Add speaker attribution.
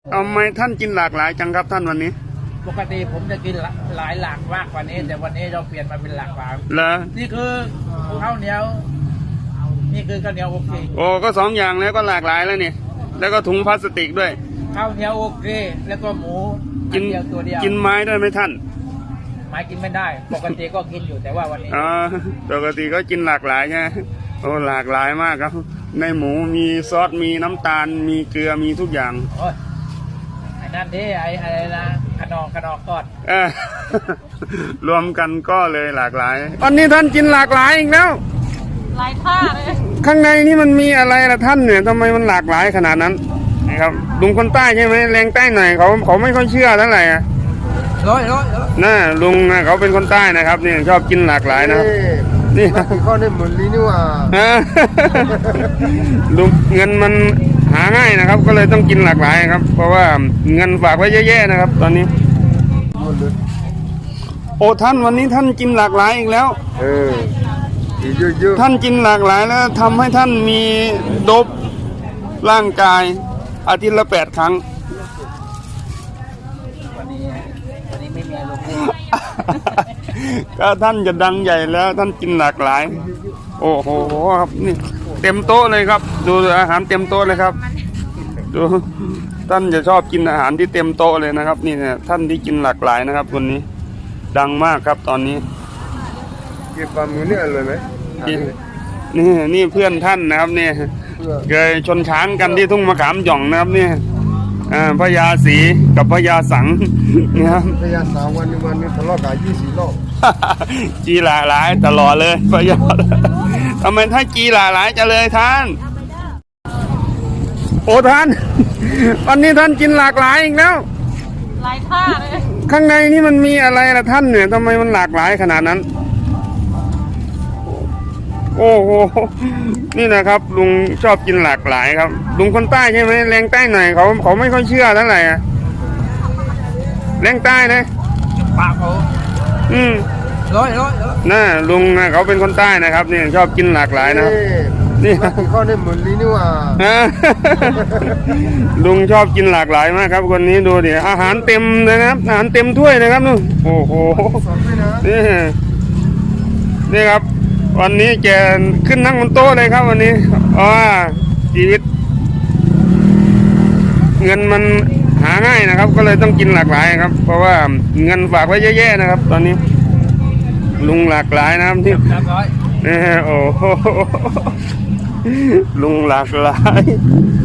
Speaker 1: เอาไหมท่านกินหลากหลายจังครับท่านวันนี้
Speaker 2: ปกติผมจะกินหลายหลากมากกว่านี้แต่วันนี้เราเปลี่ยนมาเป็นหลากหลาย
Speaker 1: เหรอ
Speaker 2: นี่คือข้าวเหนียวนี่คือข้าวเหนียวโอเค
Speaker 1: โอ้ก็สองอย่างแล้วก็หลากหลายแล้วนี่แล้วก็ถุงพลาสติกด้วย
Speaker 2: ข้าวเหนียวโอเคแล้วก็หมู
Speaker 1: กิน
Speaker 2: อัเดียวตัวเดียว
Speaker 1: กินไม้ได้ไหมท่าน
Speaker 2: ไม้กินไม่ได้ ปกติก็กินอยู่แต่ว่าวันนี้
Speaker 1: อ๋อปกติก็กินหลากหลายใช่ไหมโอ้หลากหลายมากครับในหมูมีซอสมีน้ำตาลมีเกลือมีทุกอย่าง
Speaker 2: โอ้ยไอ้นั่นดิไอ้อะไรนะขนอกทอด
Speaker 1: เออ รวมกันก็เลยหลากหลายวันนี้ท่านกินหลากหลายอีกแล้ว
Speaker 3: หลายท่าเลย
Speaker 1: ข้างในนี่มันมีอะไรล่ะท่านเนี่ยทำไมมันหลากหลายขนาดนั้นนะครับลุงคนใต้ใช่ไหมแรงใต้หน่อยเขาไม่ค่อยเชื่อเท่าไหร่อะ
Speaker 2: ร้อย
Speaker 1: น่าลุงนะเขาเป็นคนใต้นะครับนี่ชอบกินหลากหลายนะครับนี่
Speaker 4: ข้อนี้เหมือนลีนี่ว่า
Speaker 1: ลุงเงินมันหาง่ายนะครับ ก็เลยต้องกินหลากหลายครับ เพราะว่าเงินฝากไว้เยอะๆนะครับ ตอนนี้
Speaker 4: หมดเลย
Speaker 1: โอ้ท่านวันนี้ท่านกินหลากหลายอีกแล้ว
Speaker 4: อีกเยอะ
Speaker 1: ท่านกินหลากหลายแล้วทำให้ท่านมีโดบร่างกายอาทิตย์ละ8 ครั้ง
Speaker 2: วันนี้ไม่มีอารมณ์
Speaker 1: ก็ท่านจะดังใหญ่แล้วท่านกินหลากหลาย โอ้โหครับนี่เต็มโต๊ะเลยครับ ดูอาหารเต็มโต๊ะเลยครับดูท่านจะชอบกินอาหารที่เต็มโต๊ะเลยนะครับ นี่เนี่ยท่านที่กินหลากหลายนะครับวันนี้ ดังมากครับตอนนี้
Speaker 4: ๆเก็บปลาหมูนี่อร่อยไหม
Speaker 1: นี่เพื่อนท่านนะครับเนี่ยเคยชนช้างกันที่ทุ่งมะขามหย่องนะครับเนี่ยพญาศรีกับพญาสังนะครับ
Speaker 4: พยาสาววันนี้ทะเลาะกัน24 รอบ
Speaker 1: จีหลากหลายตลอดเลยพญาทำไมถ้าจีหลากหลายจะเลยท่าน โอ้ท่าน วันนี้ท่านกินหลากหลายอีกแล้ว
Speaker 3: หลายท่าเลย
Speaker 1: ข้างในนี่มันมีอะไรล่ะท่านเนี่ยทำไมมันหลากหลายขนาดนั้น โอ้โหนี่นะครับลุงชอบกินหลากหลายครับลุงคนใต้ใช่ไหมแรงใต้หน่อยเขาไม่ค่อยเชื่อเท่าไหร่อะแรงใต้นะ
Speaker 2: ปากเขา
Speaker 1: อืม
Speaker 2: ร้อย
Speaker 1: น่าลุงนะเขาเป็นคนใต้นะครับนี่ชอบกินหลากหลายนะครับนี่
Speaker 4: ข้อนี้เหมือนลีนี่ว่า
Speaker 1: ลุงชอบกินหลากหลายมากครับคนนี้ดูดิอาหารเต็มนะครับอาหารเต็มถ้วยนะครับนู่นโอ้โห
Speaker 4: สอนด้วยนะ
Speaker 1: นี่ครับ วันนี้แกขึ้นนั่งบนโต๊ะเลยครับวันนี้ชีวิต เงินมันหาง่ายนะครับ ก็เลยต้องกินหลากหลายครับ เพราะว่าเงินฝากไว้เยอะๆนะครับ ตอนนี้ ลุงหลากหลายนะครับที่
Speaker 2: 300
Speaker 1: โอ้โหลุงหลากหลาย